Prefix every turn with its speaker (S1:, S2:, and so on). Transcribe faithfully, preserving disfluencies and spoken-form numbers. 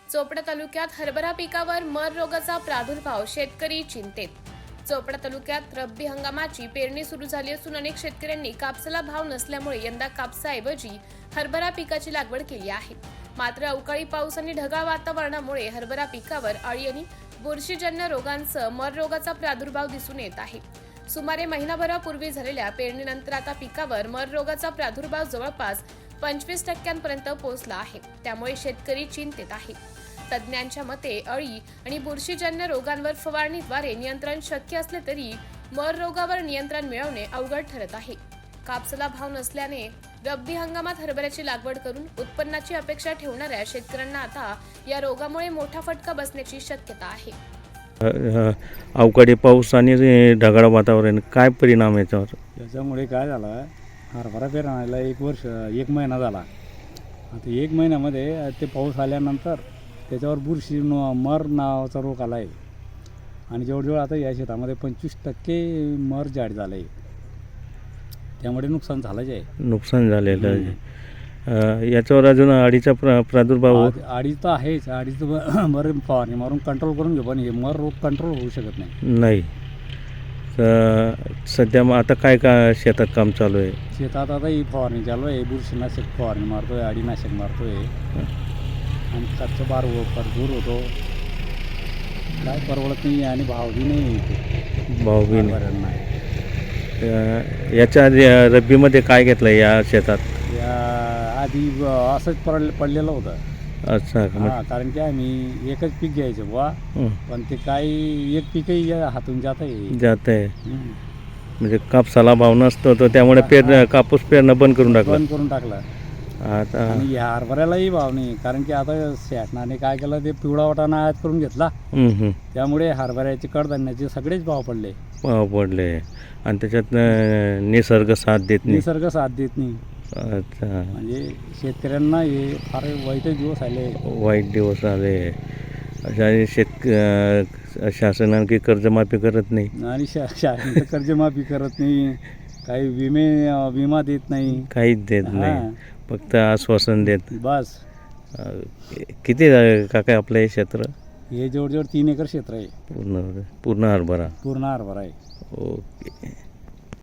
S1: चोपडा तालुक्यात हरभरा पिकावर मर रोगाचा प्रादुर्भाव, शेतकरी चिंतेत. चोपडा तालुक्यात रब्बी हंगामाची पेरणी सुरू झाली असून अनेक शेतकऱ्यांनी कापसाला भाव नसल्यामुळे यंदा कापसाऐवजी हरभरा पिकाची लागवड केली आहे. मात्र अवकाळी पाऊस आणि ढगाळ वातावरणामुळे हरभरा पिकावर अळी आणि बुरशीजन्य रोगांसह मर रोगाचा प्रादुर्भाव दिसून येत आहे. सुमारे महिनाभरापूर्वी झालेल्या पेरणीनंतर आता पिकावर मर रोगाचा प्रादुर्भाव जवळपास पंचवीस टक्क्यांपर्यंत पोहोचला आहे. त्यामुळे शेतकरी चिंतेत आहे. तज्ज्ञांच्या मते अळी आणि बुरशीजन्य रोगांवर फवारणीद्वारे नियंत्रण शक्य असले तरी मर रोगावर नियंत्रण मिळवणे अवघड ठरत आहे. कापसाला भाव नसल्याने रब्बी हंगामात हरभऱ्याची लागवड करून उत्पन्नाची अपेक्षा ठेवणाऱ्या शेतकऱ्यांना आता या रोगामुळे मोठा फटका बसण्याची शक्यता आहे.
S2: अवकाळी पाऊस आणि ढगाळ वातावरण काय परिणाम याच्यावर?
S3: त्याच्यामुळे काय झालं, हरभरा पेरणायला एक वर्ष एक महिना झाला. आता एक महिन्यामध्ये ते पाऊस आल्यानंतर त्याच्यावर बुरशी न मर नावाचा रोग आला आहे आणि जवळजवळ आता या शेतामध्ये पंचवीस टक्के मर जाड झालं आहे. त्यामुळे नुकसान झालंच आहे.
S2: नुकसान झालेलं आहे. याच्यावर अजून अळीचा प्रा प्रादुर्भाव
S3: अडीच तर आहेच. अडीचं बरं फवारणी मारून कंट्रोल करून घेऊ, पण हे मर रोग कंट्रोल होऊ शकत नाही.
S2: नाही. सध्या मग आता काय का शेतात काम चालू आहे?
S3: शेतात आता ही फवारणी चालू आहे. बुरशीनाशक फवारणी मारतोय, अळीनाशक मारतोय आणि खर्च बार भरपूर होतो. काय परवडत नाही आणि भाव बी नाही.
S2: भाव बी
S3: नाही.
S2: नाही. याच्या आधी रब्बीमध्ये काय घेतलं या शेतात?
S3: या आधी असंच पड पडलेलं होतं.
S2: अच्छा.
S3: हां, कारण की आम्ही एकच पीक घ्यायचं बुवा, पण ते काही एक पीकही हातून जात आहे
S2: जात आहे म्हणजे कापसाला भाव नसतो तो, त्यामुळे पेर कापूस पेरणं बंद करून टाकलं
S3: बंद करून टाकलं.
S2: आता
S3: आणि या हरभऱ्यालाही भाव नाही, कारण की आता शासनाने काय केलं, ते पिवळा वाटाणा आयात करून घेतला. त्यामुळे हरभऱ्याचे कडधान्याचे सगळेच भाव पडले
S2: भाव पडले आणि त्याच्यात निसर्ग साथ देत नाही.
S3: निसर्ग साथ देत नाही.
S2: अच्छा.
S3: म्हणजे शेतकऱ्यांना हे फार वाईट दिवस आले.
S2: वाईट दिवस आले. अशा शेत शासन आणखी कर्जमाफी करत नाही
S3: आणि शा शासन कर्जमाफी करत नाही, काही विमे विमा देत नाही,
S2: काहीच देत नाही, फक्त आश्वासन देत
S3: बस.
S2: किती काका आपलं हे क्षेत्र?
S3: हे जवळजवळ तीन एकर क्षेत्र आहे.
S2: पूर्ण पूर्ण हरभरा
S3: पूर्ण हरभरा आहे.
S2: ओके.